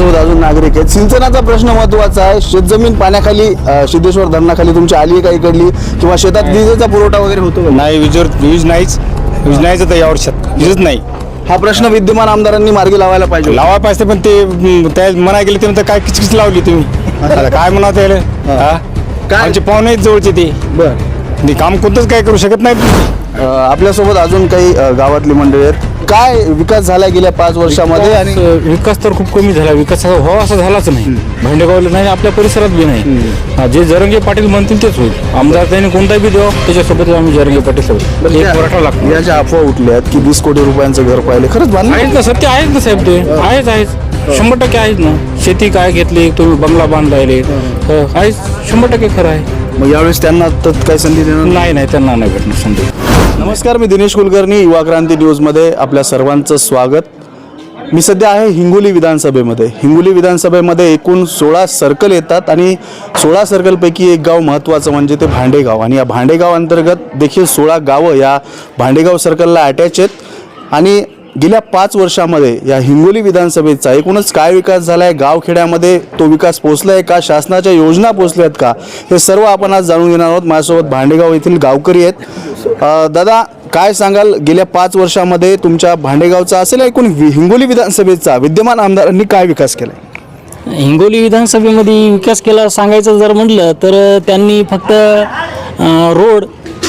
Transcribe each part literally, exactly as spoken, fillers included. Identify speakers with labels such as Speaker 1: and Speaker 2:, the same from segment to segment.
Speaker 1: आपल्यासोबत अजून नागरिक आहेत. सिंचनाचा प्रश्न महत्त्वाचा आहे. शेतजमीन पाण्याखाली अ, सिद्धेश्वर धरणाखाली तुमची आली आहे का इकडली, किंवा शेतात विजेचा पुरवठा वगैरे होतो का?
Speaker 2: नाही, वीजवर वीज नाहीच वीज नाहीच तर या वर्षात वीजच नाही.
Speaker 1: हा प्रश्न विद्यमान आमदारांनी मार्गी लावायला पाहिजे.
Speaker 2: लावा पाहिजे पण ते म, त्या म्हणा गेले ते काय किचकिच लावली तुम्ही. आता काय म्हणा त्याला
Speaker 1: काय?
Speaker 2: आमचे पाहुणे आहेत जवळचे ते
Speaker 1: बरं.
Speaker 2: ते काम कोणतंच काय करू शकत नाहीत.
Speaker 1: अ, आपल्यासोबत अजून काही अ, गावातली मंडळी आहेत. काय विकास झाला गेल्या पाच वर्षामध्ये? आणि
Speaker 3: विकास तर खूप कमी झाला. विकास व्हावा असा झालाच नाही. भांडेगावला नाही, आपल्या परिसरात बी नाही. हा, जे जरंगे पाटील म्हणतील तेच होईल. आमदार त्यांनी कोणताही बी द्यावा, त्याच्यासोबत आम्ही जरंगे पाटील सोबत एक मराठा लागतो.
Speaker 1: या ज्या अफवा उठल्यात की वीस कोटी रुपयांचं घर पाहिले, खरंच बांधलं?
Speaker 3: आहेत ना, सत्य आहेत ना साहेब, ते आहेच आहेच शंभर टक्के आहेत ना. शेती काय घेतली तुम्ही, बंगला बांधायले आहेच, शंभर टक्के खरं आहे.
Speaker 1: मग यावेळेस त्यांना तर काही संधी देणार
Speaker 3: नाही नाही त्यांना नाही भेटणार संधी.
Speaker 1: नमस्कार, मी दिनेश कुलकर्णी, युवा क्रांती न्यूजमध्ये आपल्या सर्वांचं स्वागत. मी सध्या आहे हिंगोली विधानसभेमध्ये. हिंगोली विधानसभेमध्ये एकूण सोळा सर्कल येतात आणि सोळा सर्कलपैकी एक गाव महत्त्वाचं म्हणजे ते भांडेगाव. आणि या भांडेगाव अंतर्गत देखील सोळा गावं या भांडेगाव सर्कलला अटॅच आहेत. आणि गेल्या पाच वर्षामध्ये या हिंगोली विधानसभेचा एकूणच काय विकास झाला आहे, गावखेड्यामध्ये तो विकास पोचला आहे का, शासनाच्या योजना पोचल्या आहेत का, हे सर्व आपण आज जाणून घेणार आहोत. माझ्यासोबत भांडेगाव येथील गावकरी आहेत. अ, दादा, काय सांगाल, गेल्या पाच वर्षामध्ये तुमच्या भांडेगावचा असेल एकूण हिंगोली विधानसभेचा विद्यमान आमदारांनी काय विकास केला आहे?
Speaker 4: हिंगोली विधानसभेमध्ये विकास केला सांगायचं जर म्हटलं तर त्यांनी फक्त अ, रोड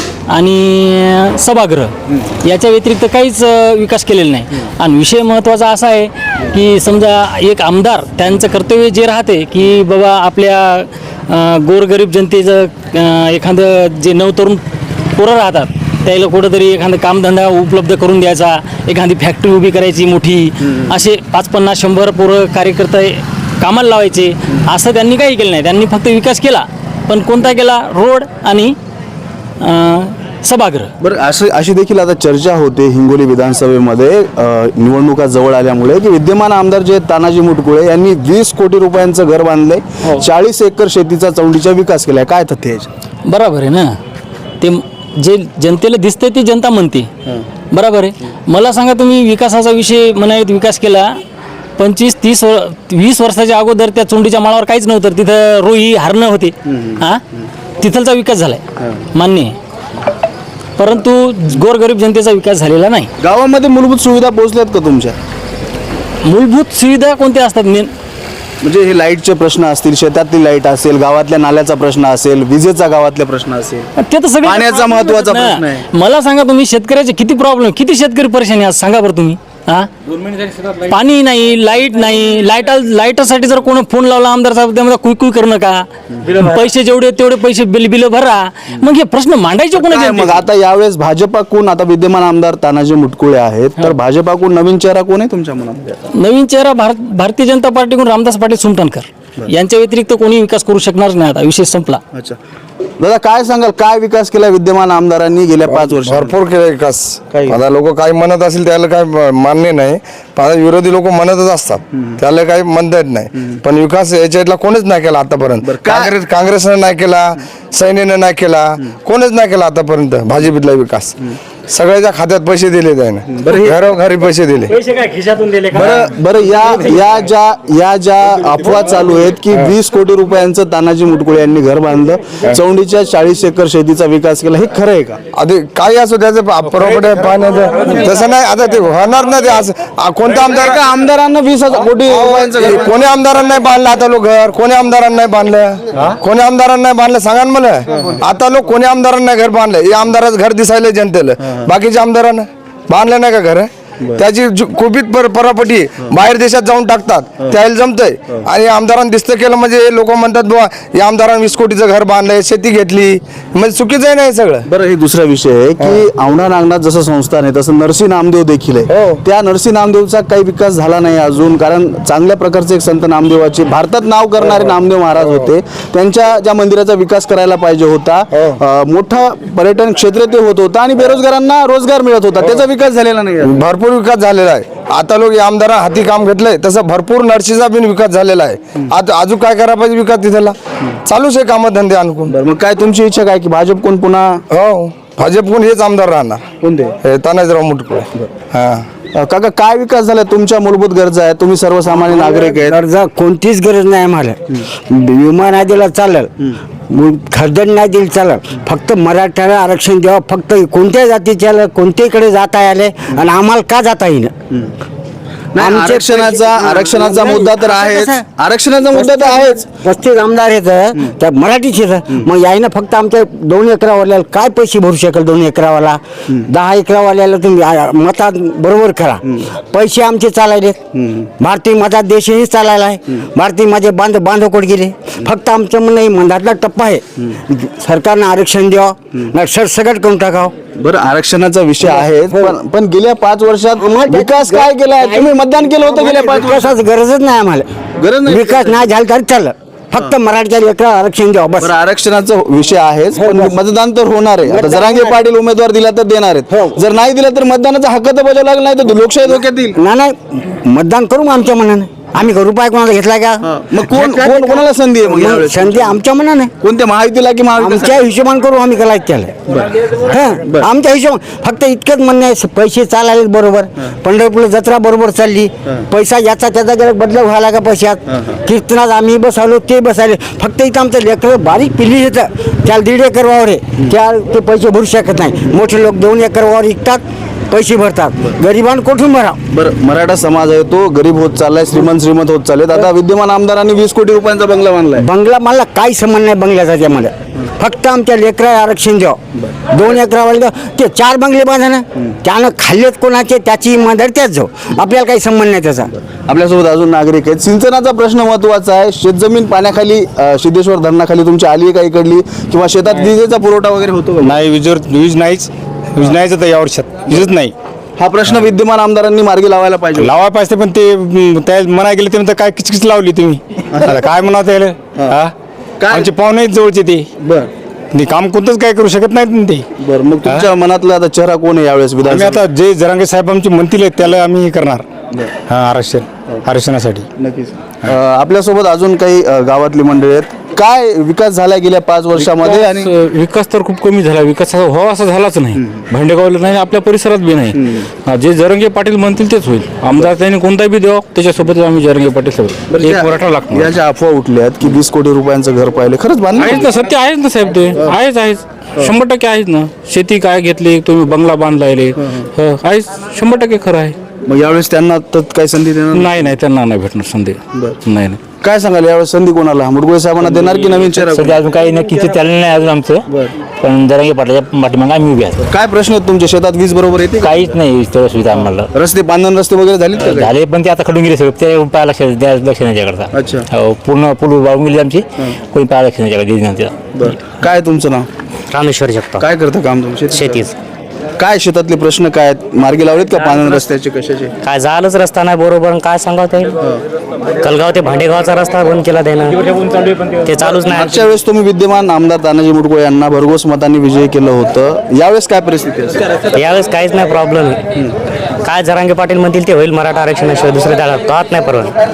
Speaker 4: आणि सभागृह याच्या व्यतिरिक्त काहीच अ, विकास केलेला नाही. आणि विषय महत्त्वाचा असा आहे की समजा एक आमदार त्यांचं कर्तव्य जे राहते की बाबा आपल्या अ, गोरगरीब जनतेचं अ, एखादं जे नवतरुण पोरं राहतात त्याला कुठंतरी एखादं कामधंदा उपलब्ध करून द्यायचा, एखादी फॅक्टरी उभी करायची मोठी, असे पाच पन्नास शंभर पोरं कार्यकर्ते कामाला लावायचे. असं त्यांनी काही केलं नाही. त्यांनी फक्त विकास केला, पण कोणता केला? रोड आणि सभागृह.
Speaker 1: बरं, असं अशी देखील आता चर्चा होते हिंगोली विधानसभेमध्ये अ, निवडणुका जवळ आल्यामुळे की विद्यमान आमदार जे आहेत तानाजी मुटकुळे यांनी वीस कोटी रुपयांचं घर बांधलंय, चाळीस एकर शेतीचा चौंडीचा विकास केलाय. काय तथ्य आहे?
Speaker 4: बरोबर आहे ना. ते जे जनतेला दिसतंय ती जनता म्हणते. बरोबर आहे. मला सांगा तुम्ही, विकासाचा विषय म्हणायत विकास केला पंचवीस तीस वीस वर्षाच्या अगोदर त्या चोंडीच्या माळावर काहीच नव्हतं. तिथं रोही हरणं होते. हां, तिथलचा विकास झालाय मान्य आहे, परंतु गोरगरीब जनतेचा विकास झालेला नाही.
Speaker 1: गावामध्ये मूलभूत सुविधा पोहोचल्यात का तुमच्या?
Speaker 4: मूलभूत सुविधा कोणत्या असतात मेन?
Speaker 1: म्हणजे हे लाईटचे प्रश्न असतील, शेतातली लाईट असेल, गावातल्या नाल्याचा प्रश्न असेल, विजेचा गावातल्या प्रश्न असेल,
Speaker 4: ते तर सगळं
Speaker 1: पाण्याचा महत्त्वाचा प्रश्न आहे.
Speaker 4: मला सांगा तुम्ही, शेतकऱ्याचे किती प्रॉब्लेम, किती शेतकरी परेशानी आज सांगा बरं तुम्ही. हा, पाणी नाही, लाईट नाही. लाईट लाईटासाठी जर कोणी फोन लावला आमदार साहेब, त्यामध्ये कुई कुई करू नका, पैसे जेवढे तेवढे पैसे बिल बिल भरा. मग हे प्रश्न मांडायचे कोणाचे?
Speaker 1: मग आता यावेळेस भाजपाकडून, आता विद्यमान आमदार तानाजी मुटकुळे आहेत, तर भाजपाकडून नवीन चेहरा कोण आहे तुमच्या मनामध्ये?
Speaker 4: नवीन चेहरा भारत भारतीय जनता पार्टीकडून रामदास पाटील सुमटणकर यांच्या व्यतिरिक्त कोणी विकास करू शकणार नाही. आता विषय संपला.
Speaker 1: अच्छा दादा, काय सांगाल, काय विकास केला विद्यमान आमदारांनी गेल्या पाच वर्षात?
Speaker 5: भरपूर केला विकास.
Speaker 1: काही?
Speaker 5: आता लोक काय म्हणत असेल त्याला काय मान्य नाही, पण आता विरोधी लोक म्हणतच असतात, त्याला काही म्हणता येत नाही. पण विकास याच्यातला कोणीच नाही केला आतापर्यंत. काँग्रेस काँग्रेसनं नाही केला, सैन्यानं नाही केला, कोणीच नाही केला आतापर्यंत भाजपीतला विकास. सगळ्याच्या खात्यात पैसे दिले त्याने, घरोघरी पैसे दिले.
Speaker 4: पैसे काय खिशातून दिले का?
Speaker 1: बरं बरं या या ज्या या ज्या अफवा चालू आहेत की वीस कोटी रुपयांचं तानाजी मुटकुळे यांनी घर बांधलं, चौंडीच्या चाळीस एकर शेतीचा विकास केला, हे खरं आहे का?
Speaker 5: आधी काही असो त्याचं प्रॉपर्टी पाहण्याचं तसं नाही. आता ते होणार ना, ते असं कोणत्या आमदार
Speaker 1: एका आमदारांना वीस हजार कोटी रुपयांचं घर
Speaker 5: कोणी आमदारांना नाही बांधलं आता लोक घर? कोणी आमदारांना नाही बांधलं? कोणी आमदारांना नाही बांधलं सांगा ना मला. आता लोक कोणी आमदारांना घर बांधलं? हे आमदाराचं घर दिसायला जनतेला, बाकीच्या आमदारांना बांधलं नाही का घर? त्याची कुपित परापटी बाहेर देशात जाऊन टाकतात, त्याला जमतंय. आणि आमदारांना दिसतं केलं म्हणजे लोक म्हणतात बुवा या आमदारांनी वीस कोटीचं घर बांधलंय, शेती घेतली, म्हणजे चुकीचं आहे नाही सगळं.
Speaker 1: बरं, हे दुसरा विषय आहे की औंढा नागनाथ जसं संस्थान आहे तसं नरसी नामदेव देखील आहे. त्या नरसी नामदेवचा काही विकास झाला नाही अजून, कारण चांगल्या प्रकारचे एक संत नामदेवाचे भारतात नाव करणारे नामदेव महाराज होते, त्यांच्या ज्या मंदिराचा विकास करायला पाहिजे होता. मोठं पर्यटन क्षेत्र ते होत होतं आणि बेरोजगारांना रोजगार मिळत होता, त्याचा विकास झालेला नाही.
Speaker 5: भरपूर विकास झालेला आहे. आता लोक या आमदारा हाती काम घेतलंय, तसं भरपूर नर्सीचा बिन विकास झालेला आहे. आता अजून काय करायला पाहिजे विकास तिथला चालूच आहे, काम धंदे आणून.
Speaker 1: मग काय तुमची इच्छा काय की भाजप कोण पुन्हा?
Speaker 5: हो, भाजप कोण हेच आमदार राहणार.
Speaker 1: कोणते?
Speaker 5: तानाजीराव मुटकुळे. हा,
Speaker 1: अ, काका काय विकास झाला तुमच्या मूलभूत गरजा आहेत, तुम्ही सर्वसामान्य नागरिक आहेत.
Speaker 6: गरजा कोणतीच गरज नाही आम्हाला विमा नाही दिला चालेल, खरदड नाही दिली चालेल, फक्त मराठ्याला आरक्षण द्यावं. फक्त कोणत्या जातीच्या कोणत्याकडे जाता आले आणि आम्हाला का जाता येईन.
Speaker 1: नाही, आरक्षणाचा आरक्षणाचा मुद्दा तर आहेच, आरक्षणाचा मुद्दा तर आहेच.
Speaker 6: पस्तीस आमदार आहेत त्या मराठीचे मग यायनं फक्त आमच्या दोन एकरावाल्याला काय पैसे भरू शकेल. दोन एकरावाला दहा एकरावाल्याला तुम्ही आ- मतात बरोबर करा. पैसे आमचे चालायले, भारतीय मतात देशही चालायला आहे. भारतीय माझे बांध बांधवकोट गेले. फक्त आमचं म्हणणं हे मंदातला टप्पा आहे, सरकारनं आरक्षण द्यावं नाही सरसकट करून टाकावं.
Speaker 1: बरं, आरक्षणाचा विषय आहे, पण पण गेल्या पाच वर्षात विकास काय केलाय? तुम्ही मतदान केलं होतं गेल्या पाच वर्षात.
Speaker 6: विकासाची गरजच नाही आम्हाला.
Speaker 1: गरज नाही.
Speaker 6: विकास नाही झाला तरी चाललं, फक्त मराठीच्या लेकरा आरक्षण द्यावं बस.
Speaker 1: बरं, आरक्षणाचा विषय आहेच, पण मतदान तर होणार आहे. आता जरांगे पाटील उमेदवार दिला तर देणार आहेत, जर नाही दिला तर मतदानाचा हक्क तर बजावला लागला, नाही तर लोकशाही धोक्यात येईल.
Speaker 6: नाही नाही मतदान करू मग आमच्या मनाने. आम्ही का रुपये कोणाला घेतला का?
Speaker 1: मग कोण कोण कोणाला संधी आहे मग
Speaker 6: मग
Speaker 1: यावेळेस?
Speaker 6: संधी आमच्या मनाने,
Speaker 1: कोणत्या महायुतीला की महाविकास?
Speaker 6: आमच्या हिशोबान करू आम्ही कलाय केलं. हं, आमच्या हिशोबान फक्त इतकंच म्हणणं आहे, पैसे चालायले बरोबर, पंढरपूरला जत्रा बरोबर चालली, पैसा याचा त्याचा गेला बदल व्हायला का पैशात. कीर्तनात आम्ही बसवलो ते बसायले, फक्त इथं आमचं लेकरं बारीक पिल्ली येतं त्याला दीड एकर वावर आहे, त्या ते पैसे भरू शकत नाही. मोठे लोक दोन एकर वावर विकतात, पैसे भरतात, गरिबांना कुठून भरा.
Speaker 1: बरं, मराठा समाज आहे तो गरीब होत चाललाय, श्रीमंत श्रीमंत होत चाललेत. आता विद्यमान आमदारांनी वीस कोटी रुपयांचा बंगला बांधलाय.
Speaker 6: बंगला मला काही संबंध नाही बंगल्याचा त्यामध्ये, फक्त आमच्या लेकरा आरक्षण द्यावं. दोन एकरावाला ते चार बंगले बांधा ना, त्यानं खाल्लेत कोणाचे त्याची इमानदारी त्याच जाऊ, आपल्याला काही संबंध नाही त्याचा.
Speaker 1: आपल्यासोबत अजून नागरिक आहेत. सिंचनाचा प्रश्न महत्वाचा आहे. शेतजमीन पाण्याखाली अ, सिद्धेश्वर धरणाखाली तुमची आली आहे का इकडली, किंवा शेतात विजेचा पुरवठा वगैरे होतो का?
Speaker 2: नाही वीजवर वीज नाहीच वीज नाहीच आता या वर्षात वीजच नाही.
Speaker 1: हा प्रश्न विद्यमान आमदारांनी मार्गी लावायला पाहिजे.
Speaker 2: लावा पाहिजे पण ते म, त्या म्हणा गेले ते म्हणतात काय किचकिच लावली तुम्ही. आता काय म्हणा त्याला हा
Speaker 1: काय?
Speaker 2: आमचे पाहुणे आहेत जवळचे ते
Speaker 1: बर
Speaker 2: ते काम कोणतंच काय करू शकत नाहीत ना ते.
Speaker 1: बर मग तुमच्या मनातला आता चेहरा कोण आहे यावेळेस
Speaker 2: आम्ही
Speaker 1: विधानसभा?
Speaker 2: आता जे जरांगे साहेब आमचे म्हणतील त्याला आम्ही हे करणार हा आरक्षण आरक्षणासाठी.
Speaker 1: नक्कीच. अ, आपल्यासोबत अजून काही अ, गावातली मंडळी आहेत. काय विकास झाला गेल्या पाच वर्षामध्ये? आणि
Speaker 3: विकास विकास तर खूप कमी झाला. विकास असा व्हावा असा झालाच नाही. भांडेगावला नाही, आपल्या परिसरात बी नाही. हा, जे जरंगे पाटील म्हणतील तेच होईल. आमदार त्यांनी कोणताही बी द्यावा, त्याच्यासोबत आम्ही जरंगे पाटील सोबत एक मराठा लागतो.
Speaker 1: याच्या अफवा उठल्यात की वीस कोटी रुपयांचं घर पाहिलं, खरंच
Speaker 3: आहेच
Speaker 1: बांधलं?
Speaker 3: ना, सत्य आहेच ना साहेब, ते आहेच आहेच शंभर टक्के आहेच ना. शेती काय घेतली तुम्ही, बंगला बांधलाय, आहेच शंभर टक्के खरं आहे.
Speaker 1: मग यावेळेस त्यांना तर काही संधी देणार?
Speaker 3: नाही नाही त्यांना नाही भेटणार संधी. नाही नाही
Speaker 1: काय सांगाल यावेळेस संधी कोणाला? मुडगुळे साहेबांना देणार की नवीन चेहरा?
Speaker 7: सध्या अजून काही नक्की चाललं नाही अजून आमचं, पण जरांगे पाटलाच्या पाठीमागे आम्ही उभे आहोत.
Speaker 1: काय प्रश्न आहेत तुमच्या शेतात? वीज बरोबर येते का?
Speaker 7: काहीच नाही तेवढं सुविधा आम्हाला.
Speaker 1: रस्ते बांधण रस्ते वगैरे झालीत का काही?
Speaker 7: झाले पण ते आता खडून गेले सगळं, ते पाय लक्ष द्या लक्ष नाही त्याकडचा.
Speaker 1: अच्छा.
Speaker 7: हो पूर्ण पूल वाळून गेली आमची, कोणी पाय लक्ष नाही त्याकडे.
Speaker 1: बरं. काय तुमचं नाव?
Speaker 7: रामेश्वर जगताप.
Speaker 1: काय करतं काम तुमचे?
Speaker 7: शेतीच
Speaker 1: काय शेतातले प्रश्न काय आहेत? मार्गी लावलेत का पानन रस्त्याचे कशाचे?
Speaker 7: काय झालंच रस्ता नाही बरोबर, काय सांगावं ते. कलगाव ते भांडेगावचा रस्ता बंद केला त्यानं, ते चालूच नाही.
Speaker 1: मागच्या वेळेस तुम्ही विद्यमान आमदार तानाजी मुटकुळे यांना भरघोस मतांनी विजयी केलं होतं. यावेळेस काय परिस्थिती असेल?
Speaker 7: यावेळेस काहीच नाही प्रॉब्लेम. काय जरांगे पाटील म्हणतील ते होईल मराठा आरक्षणाशिवाय दुसरे त्याला पाहत नाही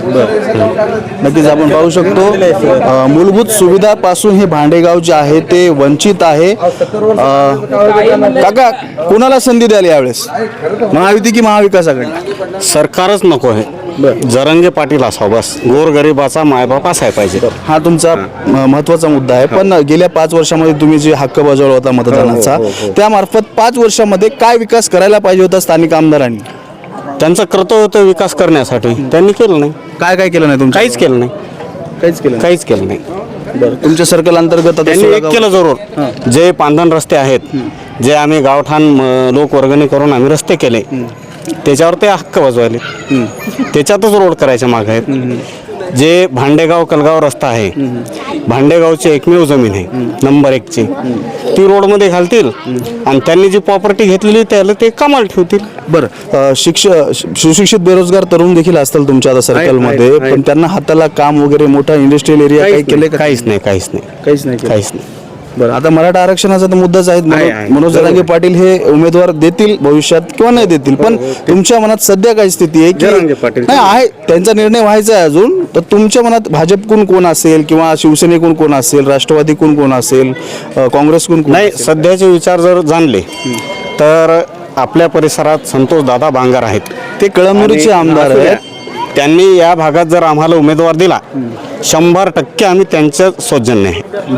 Speaker 7: परवा.
Speaker 1: नक्कीच आपण पाहू शकतो अ, मूलभूत सुविधापासून हे भांडेगाव जे आहे ते वंचित आहे. अ, काका कोणाला संधी द्याल यावेळेस, महायुती की महाविकास आघाडी?
Speaker 8: सरकारच नको आहे, जरंगे पाटील असावं बस. गोरगरिबाचा मायबाप असायला पाहिजे.
Speaker 1: हा तुमचा म- महत्त्वाचा मुद्दा आहे. पण गेल्या पाच वर्षामध्ये तुम्ही जे हक्क बजावला होता मतदानाचा, त्यामार्फत पाच वर्षामध्ये काय विकास करायला पाहिजे होता स्थानिक आमदारांनी?
Speaker 8: त्यांचं कर्तव्य होतं विकास करण्यासाठी, त्यांनी केलं नाही.
Speaker 1: काय काय केलं नाही तुमचं?
Speaker 8: काहीच केलं नाही,
Speaker 1: काहीच केलं नाही.
Speaker 8: काहीच केलं नाही.
Speaker 1: बरं. तुमच्या सर्कल अंतर्गत आता
Speaker 8: त्यांनी
Speaker 1: सोळा
Speaker 8: एक
Speaker 1: गाव-
Speaker 8: केलं जरूर, जे पांधन रस्ते आहेत, जे आम्ही गावठाण म, लोक वर्गणी करून आम्ही रस्ते केले, त्याच्यावर ते हक्क बजवायले. त्याच्यातच रोड करायच्या माग आहेत. जे भांडेगाव कलगाव रस्ता आहे, भांडेगावची एकमेव जमीन आहे नंबर एकची, ती रोडमध्ये घालतील आणि त्यांनी जी प्रॉपर्टी घेतलेली त्याला ते कामाला ठेवतील.
Speaker 1: बरं. अ, शिक्ष सुशिक्षित बेरोजगार तरुण देखील असतील तुमच्या आता सर्कलमध्ये, पण त्यांना हाताला काम वगैरे मोठा इंडस्ट्रियल एरिया काही केले का?
Speaker 8: काहीच नाही, काहीच नाही,
Speaker 1: काहीच नाही केलं.
Speaker 8: काहीच नाही.
Speaker 1: बरं. आता मराठा आरक्षणाचा तर मुद्दाच आहे. मनोज- मनोज जरांगे पाटील हे उमेदवार देतील भविष्यात किंवा नाही देतील, पण तुमच्या मनात सध्या काय स्थिती आहे की नाही आहे? त्यांचा निर्णय व्हायचा आहे अजून. तर तुमच्या मनात भाजपकडून कोण असेल, किंवा शिवसेनेकडून कोण असेल, राष्ट्रवादीकडून कोण असेल, अ, काँग्रेसकडून कोण
Speaker 8: नाही,
Speaker 1: असेल?
Speaker 8: सध्याचे विचार जर जाणले तर आपल्या परिसरात संतोष दादा बांगर आहेत.
Speaker 1: ते कळमनुरीचे
Speaker 8: आणि
Speaker 1: आमदार
Speaker 8: असू द्या.
Speaker 1: आहेत.
Speaker 8: त्यांनी या भागात जर आम्हाला उमेदवार दिला शंभर टक्के आम्ही त्यांच्या सौजन्य आहे.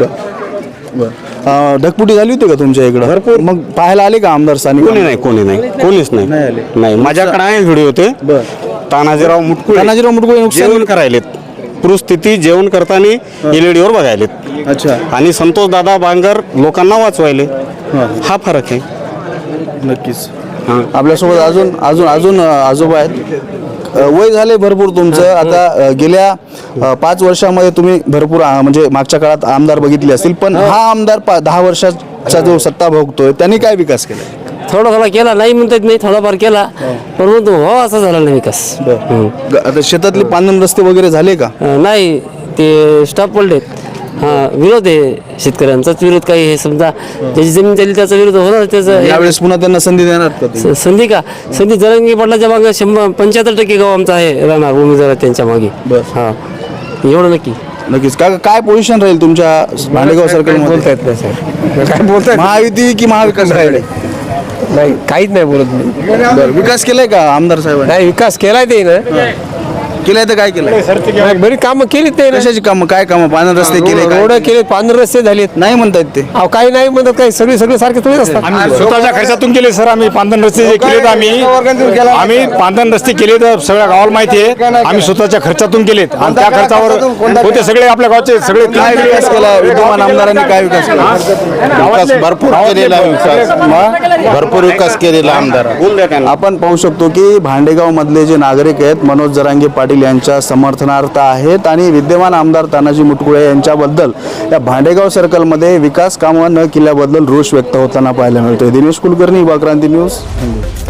Speaker 1: अं, ढगफुटी झाली होती का तुमच्या इकडं भरपूर? मग पाहायला आले का आमदार स्थानिक?
Speaker 8: कोणी नाही कोणी नाही कोणीच नाही नाही माझ्याकडे आहे व्हिडिओ ते तानाजीराव मुटकुळे
Speaker 1: तानाजीराव मुटकुळे नुकसान-
Speaker 8: जेवण करायलेत पूरस्थिती जेवण करताना एलईडीवर बघायलेत.
Speaker 1: अच्छा.
Speaker 8: आणि संतोष दादा बांगर लोकांना वाचवायले. हा फरक आहे.
Speaker 1: नक्कीच. आपल्यासोबत अजून अजून अजून अं, आजोबा आहेत. अं, वय झाले भरपूर तुमचं आता. अं, गेल्या अं, पाच वर्षामध्ये तुम्ही भरपूर अं, म्हणजे मागच्या काळात आमदार बघितले असतील, पण हा आमदार पा- दहा वर्षाचा जो सत्ता भोगतोय त्यांनी काय विकास केला?
Speaker 9: थोडा थोडा केला नाही म्हणतात नाही थोडाफार केला परंतु हो असा झाला नाही विकास. हं.
Speaker 1: ग- आता शेतातले पांदन रस्ते वगैरे झाले का?
Speaker 9: अं, नाही ते स्टॉप पडलेत. हा विरोध आहे शेतकऱ्यांचाच विरोध काही हे समजा ज्याची जमीन झाली त्याचा विरोध होणार त्याचा
Speaker 1: यावेळेस पुन्हा त्यांना संधी देणार का तुम्ही?
Speaker 9: स- संधी का संधी जरंगी पाटलाच्या मागे शंभर पंच्याहत्तर टक्के गाव आमचा आहे राहणार उमेदवार त्यांच्या मागे.
Speaker 1: बस.
Speaker 9: हा एवढं नक्की.
Speaker 1: नक्कीच. का काय पोझिशन राहील तुमच्या भांडेगाव सर्कल
Speaker 2: बोलता येत नाही सर. काय बोलताय
Speaker 1: महायुती की महाविकास आघाडी?
Speaker 2: नाही काहीच नाही बोलत मी.
Speaker 1: बरं. विकास केलाय का आमदार साहेबांनी?
Speaker 2: नाही विकास केलाय ते ना
Speaker 1: केलाय तर काय केलंय?
Speaker 2: नाही, बरी कामं केलीत ते ना.
Speaker 1: कशाची कामं? काय कामं? पांढर रस्ते केले काय?
Speaker 2: रोड केले पांढरे रस्ते झालेत.
Speaker 1: नाही म्हणतायत ते.
Speaker 2: अहो काही नाही म्हणतात काही सगळे सगळे सारखे थोडे असतात.
Speaker 3: आम्ही स्वतःच्या खर्चातून केले सर. आम्ही पांधन रस्ते जे केलेत आम्ही आम्ही पांधन रस्ते केले तर सगळ्या गावाला माहिती आहे. आम्ही स्वतःच्या खर्चातून केलेत आणि त्या खर्चावर होते सगळे आपल्या गावचे सगळे
Speaker 1: काय विकास केला विद्यमान आमदारांनी? काय विकास केला?
Speaker 8: विकास भरपूर केलेला विकास भरपूर विकास केलेला आमदार.
Speaker 1: आपण पाहू शकतो की भांडेगाव मधले जे नागरिक आहेत मनोज जरांगे पाटील यांच्या समर्थनार्थ आहेत आणि विद्यमान आमदार तानाजी मुटकुळे यांच्याबद्दल या भांडेगाव सर्कलमध्ये विकास कामं न केल्याबद्दल रोष व्यक्त होताना पाहायला मिळतोय. दिनेश कुलकर्णी, युवा क्रांती न्यूज.